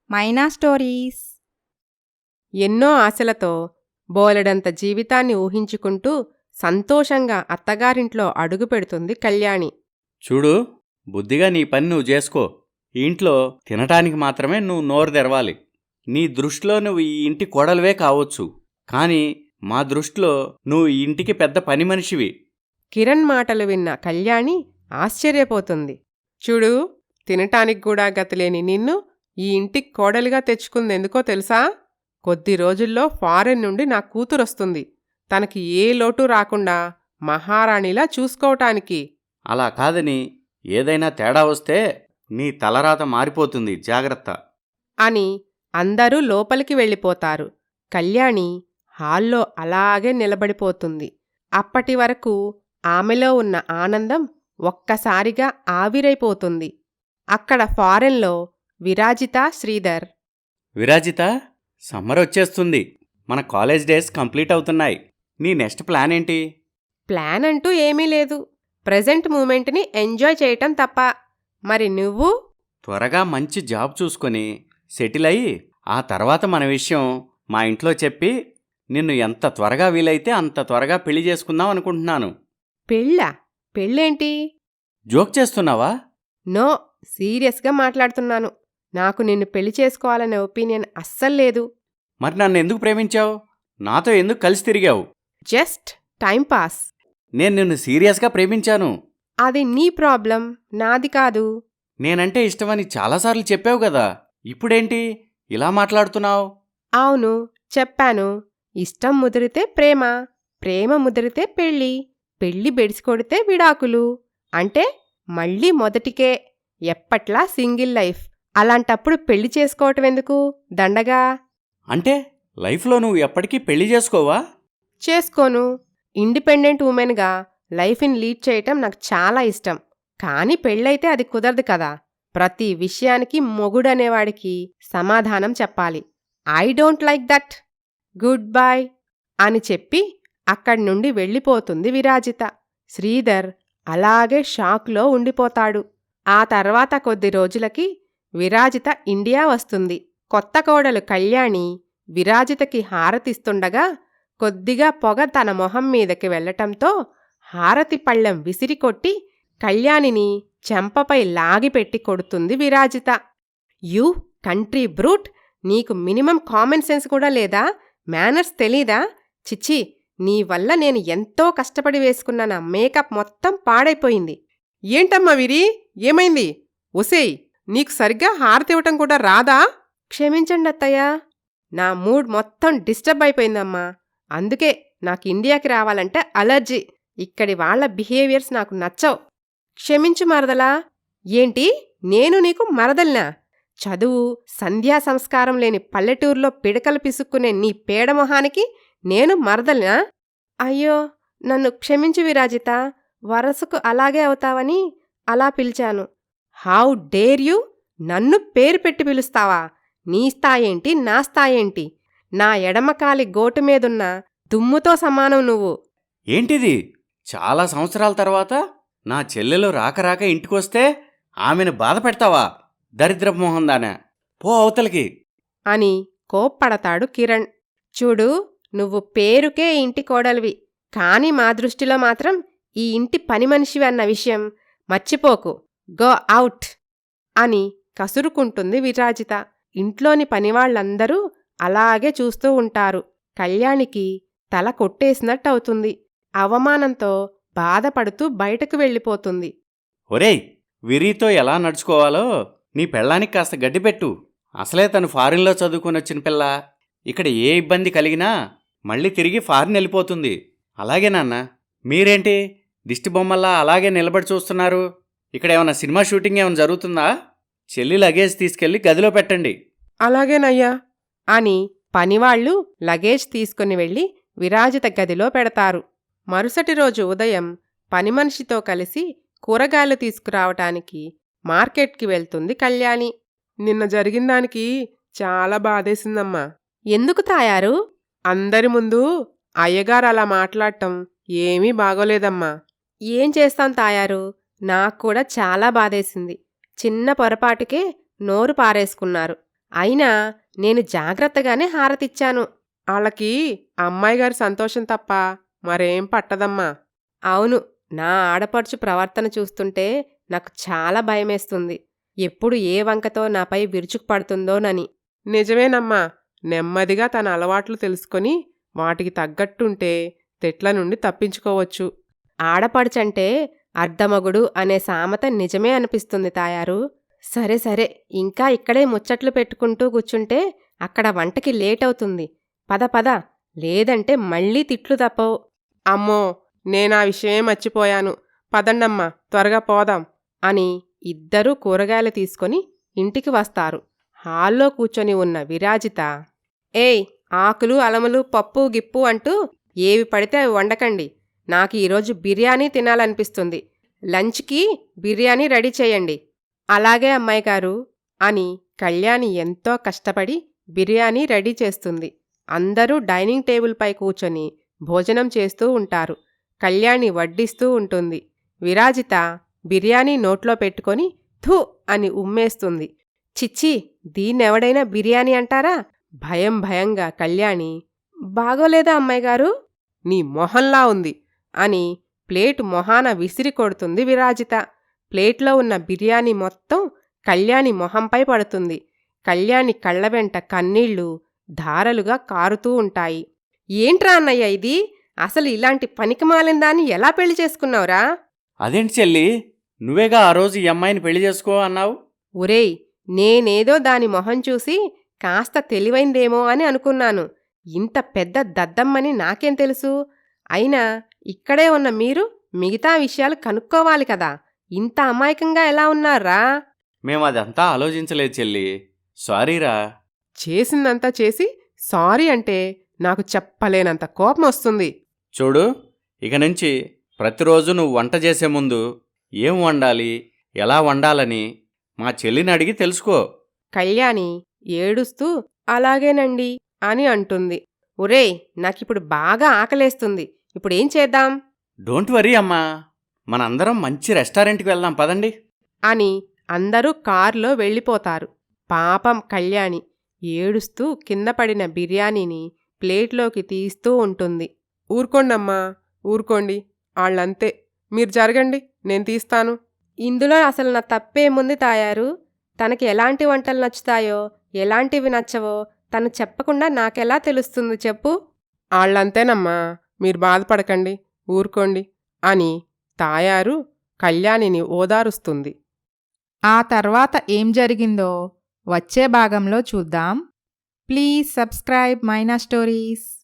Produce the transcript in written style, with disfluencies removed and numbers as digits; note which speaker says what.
Speaker 1: మైనా stories.
Speaker 2: ఎన్నో ఆశలతో బోలెడంత జీవితాన్ని ఊహించుకుంటూ సంతోషంగా అత్తగారింట్లో అడుగుపెడుతుంది కళ్యాణి.
Speaker 3: చూడు, బుద్ధిగా నీ పని నువ్వు చేసుకో. ఈ ఇంట్లో తినటానికి మాత్రమే నువ్వు నోరు తెరవాలి. నీ దృష్టిలో నువ్వు ఈ ఇంటి కోడలివే కావచ్చు, కానీ మా దృష్టిలో నువ్వు ఈ ఇంటికి పెద్ద పని మనిషివి.
Speaker 2: కిరణ్ మాటలు విన్న కళ్యాణి ఆశ్చర్యపోతుంది. చూడు, తినటానికి కూడా గతిలేని నిన్ను ఈ ఇంటికి కోడలిగా తెచ్చుకుందెందుకో తెలుసా? కొద్ది రోజుల్లో ఫారెన్ నుండి నా కూతురొస్తుంది. తనకి ఏ లోటు రాకుండా మహారాణిలా చూసుకోవటానికి.
Speaker 3: అలా కాదని ఏదైనా తేడా వస్తే నీ తలరాత మారిపోతుంది, జాగ్రత్త
Speaker 2: అని అందరూ లోపలికి వెళ్ళిపోతారు. కళ్యాణి హాల్లో అలాగే నిలబడిపోతుంది. అప్పటి వరకు ఆమెలో ఉన్న ఆనందం ఒక్కసారిగా ఆవిరైపోతుంది. అక్కడ ఫారెన్లో విరాజిత, శ్రీధర్.
Speaker 3: విరాజిత, సమ్మర్ వచ్చేస్తుంది. మన కాలేజ్ డేస్ కంప్లీట్ అవుతున్నాయి. నీ నెక్స్ట్ ప్లాన్ ఏంటి?
Speaker 2: ప్లాన్ అంటూ ఏమీ లేదు. ప్రెజెంట్ మూమెంట్ని ఎంజాయ్ చేయటం తప్ప. మరి నువ్వు?
Speaker 3: త్వరగా మంచి జాబ్ చూసుకొని సెటిల్ అయ్యి ఆ తర్వాత మన విషయం మా ఇంట్లో చెప్పి నిన్ను ఎంత త్వరగా వీలైతే అంత త్వరగా పెళ్లి చేసుకుందాం అనుకుంటున్నాను.
Speaker 2: పెళ్ళా? పెళ్ళేంటి?
Speaker 3: జోక్ చేస్తున్నావా?
Speaker 2: నో, సీరియస్గా మాట్లాడుతున్నాను. నాకు నిన్ను పెళ్లి చేసుకోవాలనే ఒపీనియన్ అస్సలు లేదు.
Speaker 3: మరి నన్ను ఎందుకు ప్రేమించావు? నాతో ఎందుకు కలిసి తిరిగావు?
Speaker 2: Just timepass.
Speaker 3: నేను నిన్ను సీరియస్గా ప్రేమించాను.
Speaker 2: అది నీ ప్రాబ్లం, నాది కాదు.
Speaker 3: నేనంటే ఇష్టమని చాలాసార్లు చెప్పావు కదా, ఇప్పుడేంటి ఇలా మాట్లాడుతున్నావు?
Speaker 2: అవును, చెప్పాను. ఇష్టం ముదిరితే ప్రేమ, ప్రేమ ముదిరితే పెళ్ళి, పెళ్ళి బెడిసికొడితే విడాకులు. అంటే మళ్ళీ మొదటికే, ఎప్పట్లా సింగిల్ లైఫ్. అలాంటప్పుడు పెళ్లి చేసుకోవటం ఎందుకు దండగా?
Speaker 3: అంటే లైఫ్లో నువ్వు ఎప్పటికీ పెళ్లి చేసుకోవా?
Speaker 2: చేసుకోను. ఇండిపెండెంట్ ఉమెన్గా లైఫ్ని లీడ్ చేయటం నాకు చాలా ఇష్టం. కానీ పెళ్ళైతే అది కుదరదు కదా. ప్రతి విషయానికి మొగుడనేవాడికి సమాధానం చెప్పాలి. I don't like that. Good bye అని చెప్పి అక్కడి నుండి వెళ్ళిపోతుంది విరాజిత. శ్రీధర్ అలాగే షాక్లో ఉండిపోతాడు. ఆ తర్వాత కొద్ది రోజులకి విరాజిత ఇండియా వస్తుంది. కొత్త కోడలు కళ్యాణి విరాజితకి హారతిస్తుండగా కొద్దిగా పొగ తన మొహం మీదకి వెళ్లటంతో హారతి పళ్ళెం విసిరికొట్టి కళ్యాణిని చెంపపై లాగిపెట్టి కొడుతుంది విరాజిత. You country brute! నీకు మినిమం కామన్ సెన్స్ కూడా లేదా? మేనర్స్ తెలీదా? చిచ్చి, నీ వల్ల నేను ఎంతో కష్టపడి వేసుకున్న నా మేకప్ మొత్తం పాడైపోయింది. ఏంటమ్మా విరి, ఏమైంది? ఒసేయ్, నీకు సరిగ్గా హారతివ్వటం కూడా రాదా? క్షమించండి అత్తయ్య, నా మూడ్ మొత్తం డిస్టర్బ్ అయిపోయిందమ్మా. అందుకే నాకు ఇండియాకి రావాలంటే అలర్జీ. ఇక్కడి వాళ్ల బిహేవియర్స్ నాకు నచ్చవు. క్షమించు మరదలా. ఏంటి, నేను నీకు మరదల్నా? చదువు సంధ్యా సంస్కారం లేని పల్లెటూరులో పిడకలు పిసుక్కునే నీ పేడమొహానికి నేను మరదల్నా? అయ్యో, నన్ను క్షమించు విరాజిత. వరసకు అలాగే అవుతావని అలా పిలిచాను. How dare you! నన్ను పేరు పెట్టి పిలుస్తావా? నీ స్థాయేంటి, నా స్థాయేంటి? నా ఎడమకాలి గోటు మీదున్న దుమ్ముతో సమానం నువ్వు.
Speaker 3: ఏంటిది? చాలా సంవత్సరాల తర్వాత నా చెల్లెలు రాక ఇంటికొస్తే ఆమెను బాధ పెడతావా? దరిద్రపు మొహందానా, పో అవతలికి
Speaker 2: అని కోప్పడతాడు కిరణ్. చూడు, నువ్వు పేరుకే ఇంటి కోడలివి, కాని మా దృష్టిలో మాత్రం ఈ ఇంటి పని మనిషివి అన్న విషయం మర్చిపోకు. గో అవుట్ అని కసురుకుంటుంది విరాజిత. ఇంట్లోని పనివాళ్లందరూ అలాగే చూస్తూ ఉంటారు. కళ్యాణికి తల కొట్టేసినట్టవుతుంది. అవమానంతో బాధపడుతూ బయటకు వెళ్ళిపోతుంది.
Speaker 3: ఒరేయ్, విరీతో ఎలా నడుచుకోవాలో నీ పెళ్ళానికి కాస్త గడ్డిపెట్టు. అసలే తను ఫారిన్లో చదువుకునొచ్చిన పిల్ల. ఇక్కడ ఏ ఇబ్బంది కలిగినా మళ్ళీ తిరిగి ఫారిన్ వెళ్ళిపోతుంది. అలాగే నాన్న, మీరేంటి దిష్టిబొమ్మల్లా అలాగే నిలబడి చూస్తున్నారు? ఇక్కడేమన్నా సినిమా షూటింగ్ ఏమైనా జరుగుతుందా? చెల్లి లగేజ్ తీసుకెళ్లి గదిలో పెట్టండి.
Speaker 2: అలాగేనయ్యా అని పనివాళ్లు లగేజ్ తీసుకుని వెళ్ళి విరాజిత గదిలో పెడతారు. మరుసటి రోజు ఉదయం పనిమనిషితో కలిసి కూరగాయలు తీసుకురావటానికి మార్కెట్కి వెళ్తుంది కళ్యాణి. నిన్న జరిగిందానికి చాలా బాధేసిందమ్మా. ఎందుకు తాయారు? అందరి ముందు అయ్యగారు అలా మాట్లాడటం ఏమీ బాగోలేదమ్మా. ఏం చేస్తాం తాయారు, నాక్కూడా చాలా బాధేసింది. చిన్న పొరపాటుకే నోరు పారేసుకున్నారు. అయినా నేను జాగ్రత్తగానే హారతిచ్చాను. ఆళ్ళకి అమ్మాయి గారి సంతోషం తప్ప మరేం పట్టదమ్మా. అవును, నా ఆడపడుచు ప్రవర్తన చూస్తుంటే నాకు చాలా భయమేస్తుంది. ఎప్పుడు ఏ వంకతో నాపై విరుచుకుపడుతుందోనని. నిజమేనమ్మా. నెమ్మదిగా తన అలవాట్లు తెలుసుకొని వాటికి తగ్గట్టుంటే తెట్ల నుండి తప్పించుకోవచ్చు. ఆడపడుచంటే అర్ధమగుడు అనే సామెత నిజమే అనిపిస్తుంది తాయారు. సరే సరే, ఇంకా ఇక్కడే ముచ్చట్లు పెట్టుకుంటూ కూర్చుంటే అక్కడ వంటకి లేటవుతుంది. పద పద, లేదంటే మళ్ళీ తిట్లు తప్పవు. అమ్మో, నేనా విషయమే మర్చిపోయాను. పదండమ్మా, త్వరగా పోదాం అని ఇద్దరూ కూరగాయలు తీసుకొని ఇంటికి వస్తారు. హాల్లో కూర్చొని ఉన్న విరాజిత, ఏయ్, ఆకులు అలములు పప్పు గిప్పు అంటూ ఏవి పడితే అవి వండకండి. నాకు ఈరోజు బిర్యానీ తినాలనిపిస్తుంది. లంచ్కి బిర్యానీ రెడీ చేయండి. అలాగే అమ్మాయి గారు అని కళ్యాణి ఎంతో కష్టపడి బిర్యానీ రెడీ చేస్తుంది. అందరూ డైనింగ్ టేబుల్పై కూర్చొని భోజనం చేస్తూ ఉంటారు. కళ్యాణి వడ్డిస్తూ ఉంటుంది. విరాజిత బిర్యానీ నోట్లో పెట్టుకొని థూ అని ఉమ్మేస్తుంది. చిచ్చి, దీన్నెవడైనా బిర్యానీ అంటారా? భయం భయంగా కళ్యాణి, బాగోలేదా అమ్మాయి గారు? నీ మొహంలా ఉంది అని ప్లేటు మొహాన విసిరి కొడుతుంది విరాజిత. ప్లేట్లో ఉన్న బిర్యానీ మొత్తం కళ్యాణి మొహంపై పడుతుంది. కళ్యాణి కళ్ళ వెంట కన్నీళ్లు ధారలుగా కారుతూ ఉంటాయి. ఏంట్రా అన్నయ్య ఇది? అసలు ఇలాంటి పనికిమాలిందాన్ని ఎలా పెళ్లి చేసుకున్నావురా?
Speaker 3: అదేంటి చెల్లి, నువ్వేగా ఆ రోజు ఈ అమ్మాయిని పెళ్లి చేసుకో అన్నావు?
Speaker 2: ఒరేయ్, నేనేదో దాని మొహం చూసి కాస్త తెలివైందేమో అని అనుకున్నాను. ఇంత పెద్ద దద్దమ్మని నాకేం తెలుసు? అయినా ఇక్కడే ఉన్న మీరు మిగతా విషయాలు కనుక్కోవాలి కదా. ఇంత అమాయకంగా ఎలా ఉన్నారా?
Speaker 3: మేమదంతా ఆలోచించలేదు చెల్లి, సారీరా.
Speaker 2: చేసిందంతా చేసి సారీ అంటే నాకు చెప్పలేనంత కోపం వస్తుంది.
Speaker 3: చూడు, ఇక నుంచి ప్రతిరోజు నువ్వు వంట చేసే ముందు ఏం వండాలి, ఎలా వండాలని మా చెల్లిని అడిగి తెలుసుకో.
Speaker 2: కళ్యాణి ఏడుస్తూ అలాగేనండి అని అంటుంది. ఒరేయ్, నాకిప్పుడు బాగా ఆకలేస్తుంది. ఇప్పుడేం చేద్దాం?
Speaker 3: డోంట్ వరీ అమ్మా, మనందరం మంచి రెస్టారెంట్కి వెళ్దాం పదండి
Speaker 2: అని అందరూ కారులో వెళ్ళిపోతారు. పాపం కళ్యాణి ఏడుస్తూ కింద పడిన బిర్యానీని ప్లేట్లోకి తీస్తూ ఉంటుంది. ఊరుకోండమ్మా, ఊరుకోండి. ఆళ్ళంతే. మీరు జరగండి, నేను తీస్తాను. ఇందులో అసలు నా తప్పేముంది తాయారు? తనకి ఎలాంటి వంటలు నచ్చుతాయో ఎలాంటివి నచ్చవో తను చెప్పకుండా నాకెలా తెలుస్తుంది చెప్పు? ఆళ్ళంతేనమ్మా, మీరు బాధపడకండి, ఊరుకోండి అని తాయారు కళ్యాణిని ఓదారుస్తుంది.
Speaker 1: ఆ తర్వాత ఏం జరిగిందో వచ్చే భాగంలో చూద్దాం. Please subscribe Maina stories.